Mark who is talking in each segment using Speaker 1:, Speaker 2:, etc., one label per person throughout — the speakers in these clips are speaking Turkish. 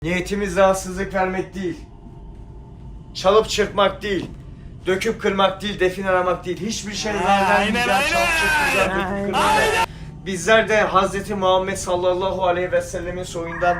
Speaker 1: Niyetimiz rahatsızlık vermek değil. Çalıp çırpmak değil. Döküp kırmak değil, defin aramak değil. Hiçbir şey vermeyeceğiz. Çalıp çırpmayacağız, döküp kırmayacağız. Bizler de Hazreti Muhammed sallallahu aleyhi ve sellemin soyundan,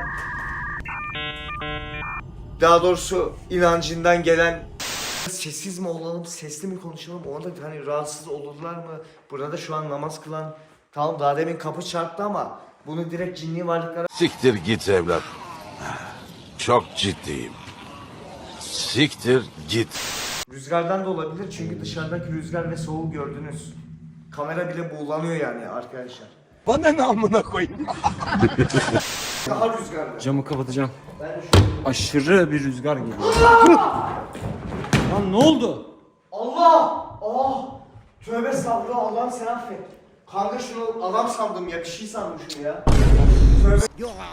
Speaker 1: daha doğrusu inancından gelen, sessiz mi olalım, sesli mi konuşalım, orada hani rahatsız olurlar mı? Burada şu an namaz kılan, tamam daha demin kapı çarptı ama bunu direkt cinli varlıklara...
Speaker 2: Siktir git evlat. Çok ciddiyim. Siktir git.
Speaker 1: Rüzgardan da olabilir çünkü dışarıdaki rüzgar ve soğuğu gördünüz. Kamera bile buğulanıyor yani arkadaşlar.
Speaker 3: Bana ne amına koyayım?
Speaker 1: Daha rüzgarlı.
Speaker 4: Camı kapatacağım. Aşırı bir rüzgar geliyor. Lan ne oldu?
Speaker 1: Allah! Oh! Tövbe estağfurullah, Allah'ım sen affet. Kanka şunu adam sandım ya, bir şey sandım şunu ya. Tövbe.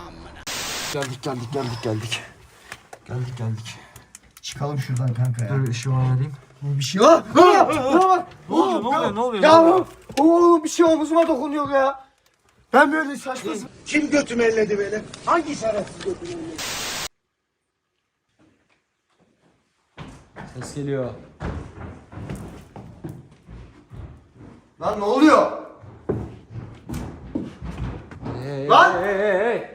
Speaker 1: Geldik. Çıkalım şuradan kanka ya.
Speaker 4: Dur ışığı alayım.
Speaker 1: Bir şey var.
Speaker 4: Ne oluyor?
Speaker 1: Ya oğlum bir şey omuzuma dokunuyor ya. Ben böyle saçma.
Speaker 3: Kim götümü elledi böyle? Hangi şerefsiz götümü elledi?
Speaker 4: Ses geliyor.
Speaker 1: Lan ne oluyor? Lan!
Speaker 4: Hey.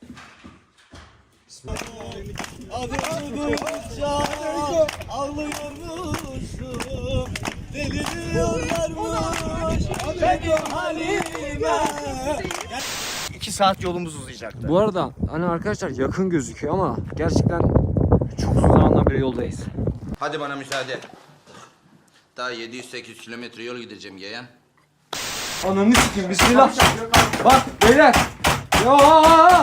Speaker 1: İki saat yolumuz uzayacaktı.
Speaker 4: Bu arada hani arkadaşlar yakın gözüküyor ama gerçekten çok uzun zamandan beri yoldayız.
Speaker 5: Hadi bana müsaade. Daha 700-800 kilometre yol gideceğim yeğen.
Speaker 4: Ananı sikeyim, bismillah. Bak beyler. Ya.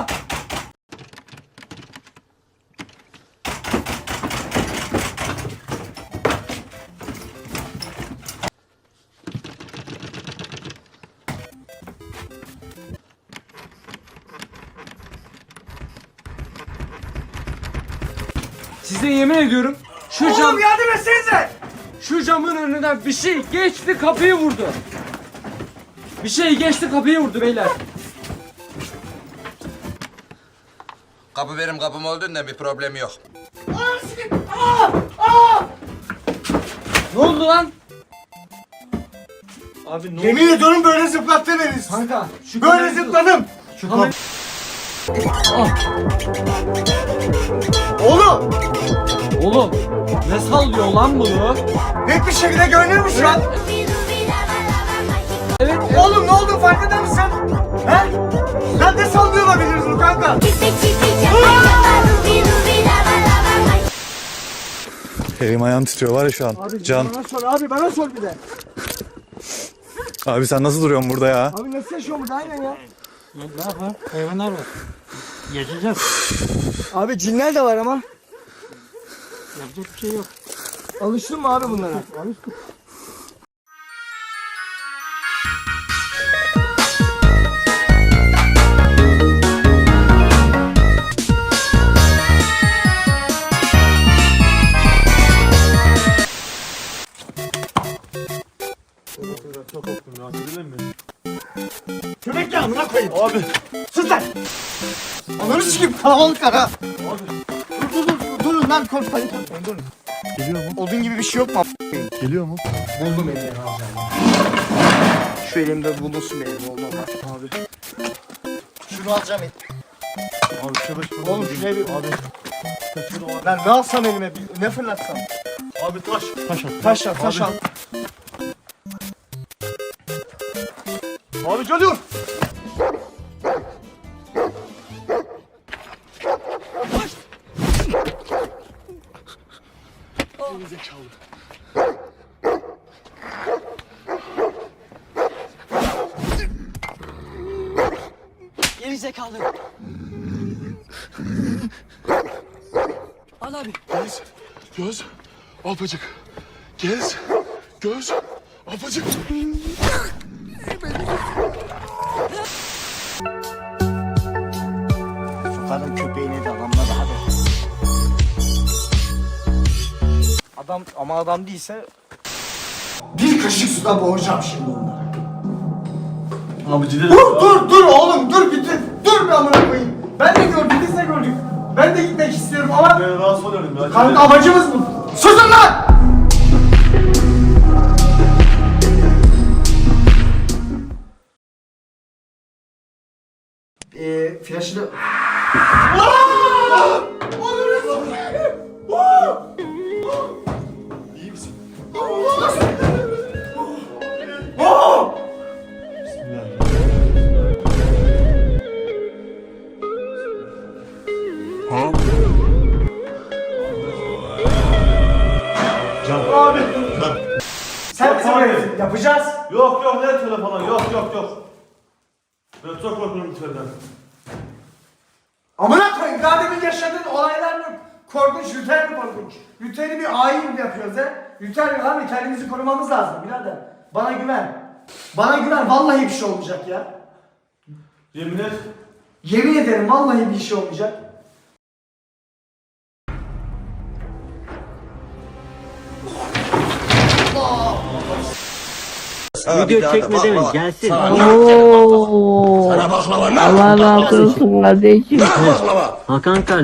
Speaker 4: Size yemin ediyorum şu cam...
Speaker 1: Oğlum yardım etsenize!
Speaker 4: Şu camın önünden bir şey geçti, kapıyı vurdu. Bir şey geçti, kapıyı vurdu beyler.
Speaker 5: Kapı benim kapım olduğundan bir problem yok.
Speaker 4: Ne oldu lan? Abi ne oldu?
Speaker 1: Yemin ediyorum böyle zıplattı beni.
Speaker 4: Kanka şu
Speaker 1: Böyle
Speaker 4: kamerayı tut.
Speaker 1: zıpladım.
Speaker 4: Şu kamerayı...
Speaker 1: Oğlum!
Speaker 4: Oğlum ne sallıyor lan bunu?
Speaker 1: Net bir şekilde görünür mü şu an?
Speaker 4: Evet.
Speaker 1: Oğlum ne oldu, farkında mısın? He? Sen de sallıyor olabiliriz bu kanka.
Speaker 6: Elim ayağım titriyor var ya şu an. Can.
Speaker 1: Bana sor bir de.
Speaker 6: Abi sen nasıl duruyorsun burada ya?
Speaker 1: Abi nasıl yaşıyor burada, aynen ya.
Speaker 4: Ne yapalım? Hayvanlar var. Yaşayacağız.
Speaker 1: Abi cinler de var ama.
Speaker 4: Yapacak bir şey yok.
Speaker 1: Alıştın mı abi bunlara? Alıştım. Köpek ya, amına koyayım. Abi. Sus lan. Ananı sikeyim, kalabalıklar ha. Abi. Durun lan, panik yapmayın, durun.
Speaker 6: Geliyor mu?
Speaker 1: Odun gibi bir şey yok mu?
Speaker 6: Geliyor mu?
Speaker 1: Buldum elimden alacağım. Şu elimde bulunsun benim oğlum. Abi. Şunu alacağım et.
Speaker 6: Abi şurada
Speaker 1: Oğlum şuraya bir... Abi. Ben ne alsam elime, ne fırlatsam?
Speaker 6: Abi taş. Taş at.
Speaker 1: Taş al, taş al.
Speaker 6: Abi geliyor.
Speaker 7: Geri zekalı. Al abi.
Speaker 6: Gez. Göz. Apacık. Gez. Göz. Apacık.
Speaker 1: Sokarım köpeğine de adamla da hadi. Adam ama adam değilse... Bir kaşık suda boğacağım şimdi onları.
Speaker 6: Abi cidden.
Speaker 1: Dur oğlum dur bitti. Dur bir amına koyayım. Ben de gördüm, biz de gördük. Ben de gitmek istiyorum ama
Speaker 6: Ben rahatsız oluyorum ya.
Speaker 1: kanka amacımız bu. Susun lan! Flaşını...
Speaker 6: İyi misin?
Speaker 1: Abi!
Speaker 6: Lan.
Speaker 1: Sen bize böyle yapacağız.
Speaker 6: Yok yok ne telefonu yok yok yok. Ben çok korkuyorum içeriden.
Speaker 1: Amına koyayım daha demin yaşadığın olaylar mı korkunç, Luther mi korkunç? Luther'i bir ayin mi yapıyoruz he? Luther abi kendimizi korumamız lazım birader. Bana güven. Bana güven vallahi bir şey olmayacak ya.
Speaker 6: Yemin et.
Speaker 1: Yemin ederim vallahi bir şey olmayacak.
Speaker 7: Video çekmeden gelsin.
Speaker 8: Oo. Allah razı olsun kardeşim.
Speaker 7: Hakan kardeşim.